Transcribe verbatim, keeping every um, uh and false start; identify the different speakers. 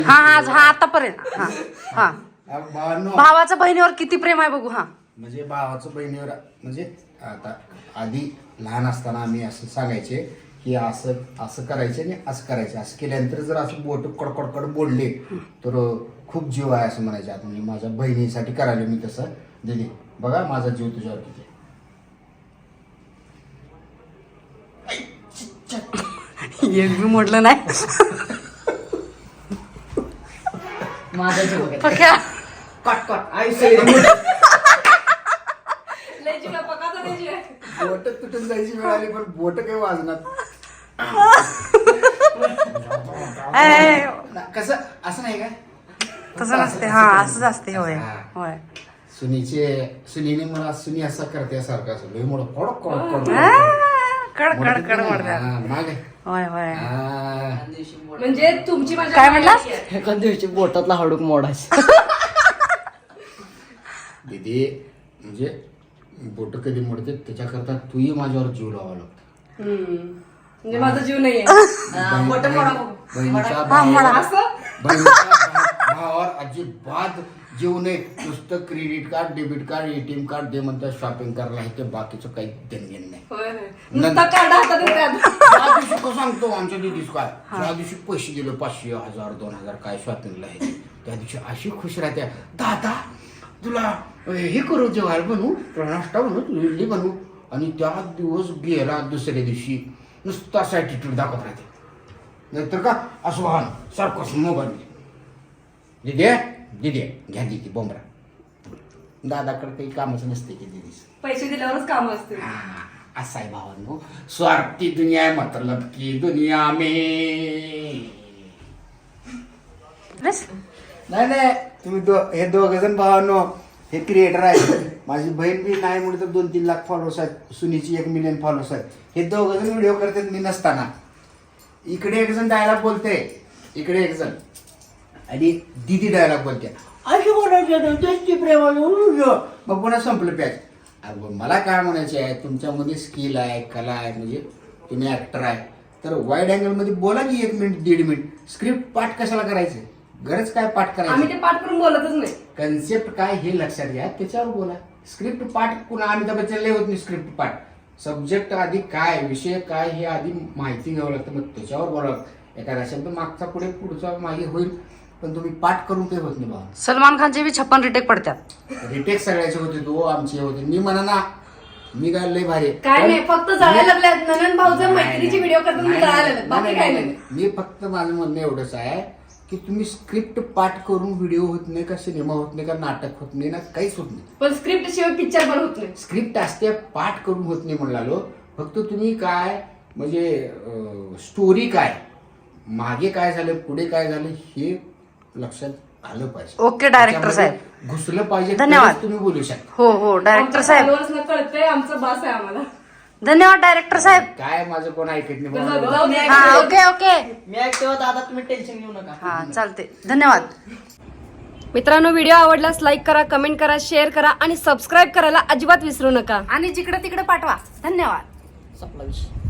Speaker 1: हा हा हा आतापर्यंत हा हा
Speaker 2: भावांनो,
Speaker 1: भावाचं बहिणीवर किती प्रेम आहे बघू. हा
Speaker 2: म्हणजे भावाचं बहिणीवर म्हणजे आता आधी लहान असताना आम्ही असं सांगायचे की असं असं करायचे आणि असं करायचे. असं केल्यानंतर जर असं बोट कडकडकड बोलले तर खूप जीव आहे असं म्हणायचे. आता म्हणजे माझ्या बहिणीसाठी करायला मी तसं दिली. बघा माझा जीव तुझ्यावर किती.
Speaker 1: एक बी मोडलं नाही.
Speaker 3: माझा जीव
Speaker 1: पक्या
Speaker 3: कट कट आयुष्य
Speaker 2: बोट तुटून जायची वेळ आली पण बोट काही वाजणार कसं असं नाही काय
Speaker 1: तसं नसते. हा असंच असते. होय होय.
Speaker 2: सुनीचे सुनीने मला सुनी असा करते सारखं असं लय मोठं कडक कडक
Speaker 1: कड कड कड मोडतात.
Speaker 2: माग
Speaker 1: होय होय.
Speaker 4: म्हणजे तुमची माझ्या
Speaker 1: काय म्हणला?
Speaker 3: एका दिवशी बोटातला हाडूक मोडायचं.
Speaker 2: दीदी म्हणजे बोट कधी मोडते त्याच्याकरता तूही माझ्यावर जीव लावा लागतो.
Speaker 4: म्हणजे माझा जीव नाहीये.
Speaker 3: बोट मोडा बघू.
Speaker 2: बहिणीच्या भावावर
Speaker 4: असं
Speaker 2: बहिणीच्या भा- भावावर अजिबात जीव नाही. नुसतं credit card debit card ATM card दे म्हणतात शॉपिंग करायला. हे बाकीचं काही देणगेण नाही.
Speaker 4: होय होय. नुसता कार्ड हातात येतात.
Speaker 2: त्या दिवशी कसं सांगतो आमच्या दिदीस काय त्या दिवशी पैसे दिले पाचशे हजार दोन हजार काय शॉपिंगला आहे त्या दिवशी अशी खुश राहते. दादा तुला हे करू जेवायला बनवू तुला नाश्ता बनवू तुला इडली बनवू. आणि त्या दिवस गेला दुसऱ्या दिवशी नुसतं असं ॲटिट्यूड दाखवत राहते. नाहीतर का असं वाहन सारखं मोबाईल दिदी दिदी घ्या दिदी बोंबरा. दादाकडे काही कामच नसते की दिदीस.
Speaker 4: पैसे दिल्यावरच काम असते.
Speaker 2: असा आहे भावांनो. स्वार्थी दुनिया आहे मतलब की दुनिया में. नाही नाही तुम्ही दो हे दोघ जण भावांनो हे क्रिएटर आहेत. माझी बहीण बी नाही म्हणून तर दोन तीन लाख फॉलोअर्स आहेत. सुनीची एक मिलियन फॉलोअर्स आहेत. हे दोघ जण व्हिडिओ करतात मी नसताना. इकडे एक जण डायलॉग बोलते इकडे एक जण आणि दिदी डायलॉग बोलते अशी बोलायची प्रेम मग पुन्हा संपलं पॅच. अगं मला काय म्हणायचे आहे तुमच्यामध्ये स्किल आहे कला आहे म्हणजे तुम्ही ऍक्टर आहे तर वाईड अँगलमध्ये बोला की एक मिनिट दीड मिनिट. स्क्रिप्ट पाठ कशाला करायचं गरज काय पाठ
Speaker 4: आम्ही
Speaker 2: करायचं.
Speaker 4: ते पाठ करून बोलतच नाही.
Speaker 2: कन्सेप्ट काय हे लक्षात घ्या त्याच्यावर बोला. स्क्रिप्ट पाठ कुणा अमिताभ बच्चन लय होत नाही स्क्रिप्ट पाठ. सब्जेक्ट आधी काय विषय काय हे आधी माहिती घ्यावं लागतं मग त्याच्यावर बोलावं लागतं. एखादा शब्द मागचा पुढे पुढचा मागे होईल पण तुम्ही पाठ करून ते होत नाही. बाबा
Speaker 1: सलमान खानचे बी छप्पन रिटेक पडतात.
Speaker 2: रिटेक सगळ्याचे होते तो आमचे होते. मी म्हणा ना मी काय लय भारी
Speaker 4: काय नाही फक्त जळायला लागल्यात. ननन भाऊचं मैत्रिणीची व्हिडिओ करतात मी जळायला लागल्यात. बाकी काय नाही.
Speaker 2: मी फक्त माझं म्हणणं एवढंच आहे की तुम्ही स्क्रिप्ट पाठ करून व्हिडिओ होत नाही का सिनेमा होत नाही का नाटक होत नाही ना काहीच होत नाही.
Speaker 4: पण स्क्रिप्ट शिवाय पिक्चर पण होत नाही.
Speaker 2: स्क्रिप्ट असते पाठ करून होत नाही म्हणालो. फक्त तुम्ही काय म्हणजे स्टोरी काय मागे काय झालं पुढे काय झालं हे लक्षात आलं पाहिजे.
Speaker 1: ओके डायरेक्टर साहेब
Speaker 2: घुसलं पाहिजे.
Speaker 1: धन्यवाद.
Speaker 2: तुम्ही बोलू शकता.
Speaker 1: हो हो डायरेक्टर साहेब
Speaker 4: followers कळतंय आमचं बास आहे आम्हाला.
Speaker 1: धन्यवाद डायरेक्टर साहेब.
Speaker 2: काय माझं कोण ऐकत नाही
Speaker 4: जाऊ
Speaker 2: बाबा.
Speaker 4: जाऊ द्या.
Speaker 1: हा ओके ओके
Speaker 3: मी ऐकतो दादा तुम्ही टेन्शन घेऊ नका.
Speaker 1: हा चालते. धन्यवाद.
Speaker 4: मित्रांनो व्हिडिओ आवडल्यास लाईक करा कमेंट करा शेअर करा आणि सबस्क्राईब करायला अजिबात विसरू नका.
Speaker 1: आणि जिकडे तिकडे पाठवा. धन्यवाद.
Speaker 3: संपला विषय.